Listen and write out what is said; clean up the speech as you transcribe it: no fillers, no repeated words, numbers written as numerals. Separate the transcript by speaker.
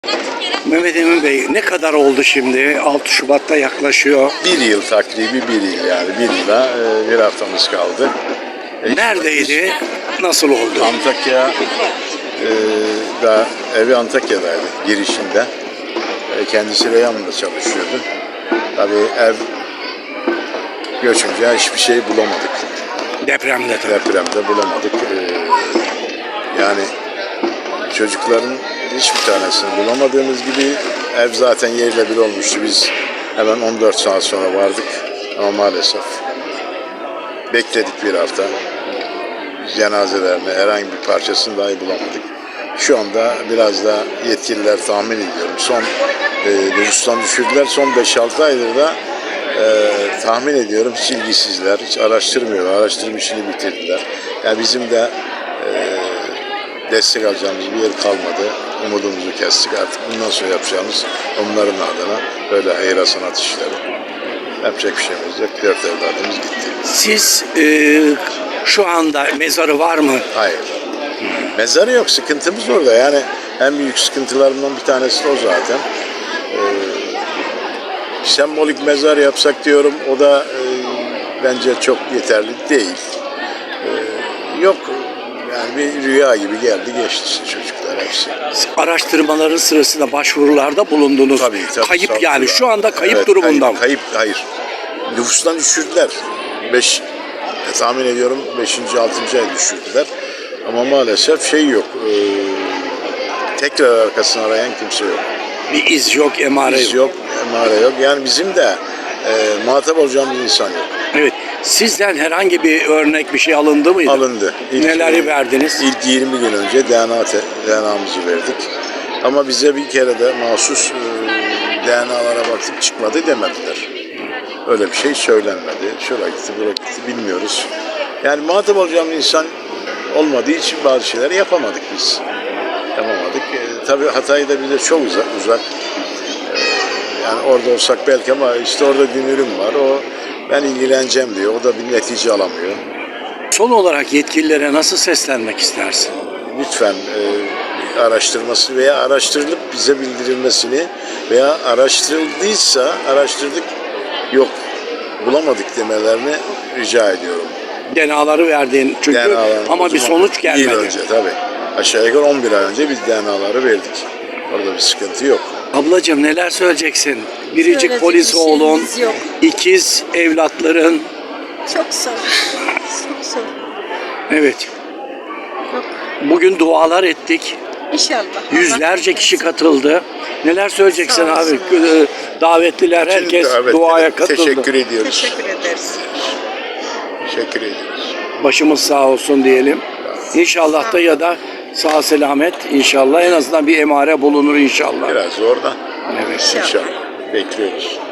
Speaker 1: Mehmet Emin Bey, ne kadar oldu şimdi? 6 Şubat'ta yaklaşıyor.
Speaker 2: Bir yıl takribi bir yıl yani bir yıla bir haftamız kaldı.
Speaker 1: Neredeydi? Nasıl oldu?
Speaker 2: Antakya da evi Antakya'daydı girişinde. Kendisi Reyhanlı'da çalışıyordu. Tabii ev göçünce hiçbir şey bulamadık.
Speaker 1: Depremde tabii.
Speaker 2: Depremde bulamadık. Yani çocukların hiçbir tanesini bulamadığımız gibi ev zaten yerle bir olmuştu. Biz hemen 14 saat sonra vardık ama maalesef bekledik bir hafta. Cenazelerini herhangi bir parçasını dahi bulamadık. Şu anda biraz da yetkililer tahmin ediyorum. Son nüfustan düşürdüler. Son 5-6 aydır da tahmin ediyorum hiç ilgisizler, hiç araştırmıyorlar. Araştırma işini bitirdiler. Yani bizim de destek alacağımız bir yer kalmadı. Umudumuzu kestik. Artık bundan sonra yapacağımız onların adına böyle hayır sanat işleri. Yapacak bir şeyimiz yok. 4 evladımız gitti.
Speaker 1: Siz şu anda mezarı var mı?
Speaker 2: Hayır. Mezarı yok. Sıkıntımız orada. Yani en büyük sıkıntılarımdan bir tanesi de o zaten. Sembolik mezar yapsak diyorum. O da bence çok yeterli değil. Yok. Yani bir rüya gibi geldi geçti çocuklar hepsi.
Speaker 1: Araştırmaların sırasında başvurularda bulundunuz.
Speaker 2: Tabii,
Speaker 1: kayıp
Speaker 2: tabii,
Speaker 1: yani.
Speaker 2: tabii.
Speaker 1: Şu anda kayıp
Speaker 2: Evet,
Speaker 1: durumundan.
Speaker 2: Kayıp, hayır. Nüfustan düşürdüler. Tahmin ediyorum 5. 6. ay düşürdüler. Ama maalesef şey yok. Tekrar arkasını arayan kimse yok.
Speaker 1: Bir iz yok, emare
Speaker 2: Biz
Speaker 1: yok.
Speaker 2: yok, emare yok. Yani bizim de muhatap olacağımız insan yok.
Speaker 1: Evet. Sizden herhangi bir örnek bir şey alındı mıydı?
Speaker 2: Alındı.
Speaker 1: Neleri verdiniz?
Speaker 2: İlk 20 gün önce DNA'mızı verdik. Ama bize bir kere de mahsus DNA'lara baktık çıkmadı demediler. Öyle bir şey söylenmedi. Şuraya gitti, buraya gitti bilmiyoruz. Yani muhatap olacağımız insan olmadığı için bazı şeyleri yapamadık biz. Yapamadık. Tabii Hatay da bize çok uzak. Yani orada olsak belki ama işte orada dünürüm var. O ben ilgileneceğim diyor. O da bir netice alamıyor.
Speaker 1: Son olarak yetkililere nasıl seslenmek istersin?
Speaker 2: Lütfen araştırması veya araştırılıp bize bildirilmesini veya araştırıldıysa araştırdık yok bulamadık demelerini rica ediyorum.
Speaker 1: DNA'ları verdin çünkü ama bir sonuç gelmedi.
Speaker 2: Bir yıl önce tabii. Aşağı yukarı 11 ay önce biz DNA'ları verdik. Orada bir sıkıntı yok.
Speaker 1: Ablacığım neler söyleyeceksin? Biricik
Speaker 3: Söyleyecek
Speaker 1: polis
Speaker 3: bir şeyimiz
Speaker 1: oğlun,
Speaker 3: yok.
Speaker 1: ikiz evlatların.
Speaker 3: Çok zor. Çok zor.
Speaker 1: Evet.
Speaker 3: Yok.
Speaker 1: Bugün dualar ettik.
Speaker 3: İnşallah.
Speaker 1: Yüzlerce kişi katıldı. Neler söyleyeceksin
Speaker 3: Sağ
Speaker 1: abi?
Speaker 3: olsun.
Speaker 1: Davetliler herkes
Speaker 2: Evet,
Speaker 1: duaya katıldı.
Speaker 2: teşekkür ediyoruz.
Speaker 3: Teşekkür ederiz.
Speaker 2: Teşekkür ediyoruz.
Speaker 1: Başımız sağ olsun diyelim. İnşallah da ya da sağ selamet inşallah en azından bir emare bulunur inşallah.
Speaker 2: Biraz zor da
Speaker 1: Evet.
Speaker 2: inşallah bekliyoruz.